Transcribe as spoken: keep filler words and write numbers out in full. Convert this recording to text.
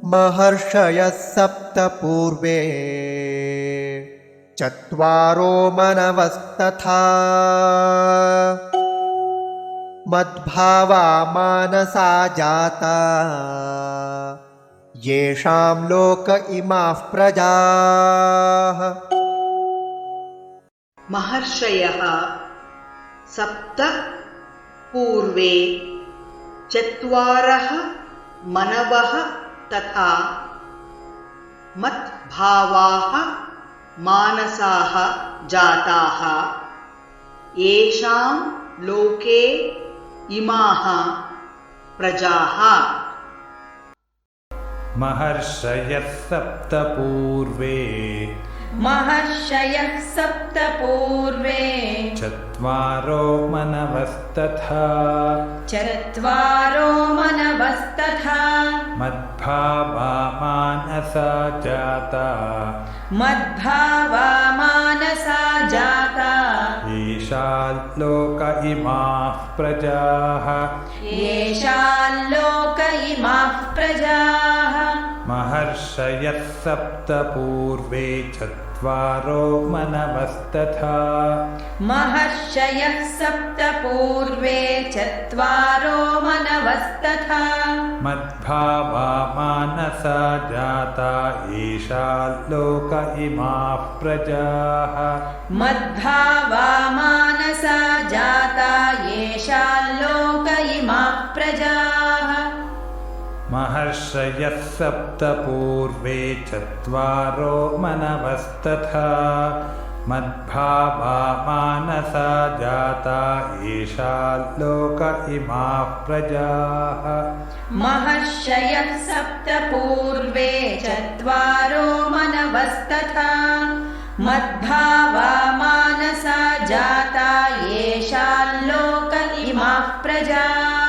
महर्षयः सप्त पूर्वे चत्वारो मनवस्तथा मद्भावा मानसा जाता येषां लोक इमाः प्रजाः। महर्षयः सप्त पूर्वे चत्वारः मनवः तथा मद्भावाः मानसाः जाताः येषां लोके इमाः प्रजाः। महर्षयः सप्त पूर्वे महर्षयः सप्त पूर्वे चत्वारो मनवस्तथा चत्वारो मनवस्तथा मद्भावा मानसा जाता मद्भावा मानसा जाता येषां लोक इमाः प्रजाः येषां लोक इमाः प्रजाः। महर्षयः सप्त पूर्वे चत्वारो मनवस्तथा महर्षयः सप्त पूर्वे चत्वारो मनवस्तथा मद्भावा मानसा जाता येषां लोक इमाः प्रजाः मद्भावा मानसा जाता येषां लोक इमाः प्रजाः। महर्षयः सप्त पूर्वे चत्वारो मनवस्तथा मद्भावा मानसा जाता येषां लोक इमाः प्रजाः। महर्षयः सप्त पूर्वे चत्वारो मनवस्तथा मद्भावा मानसा जाता येषां लोक इमाः प्रजाः।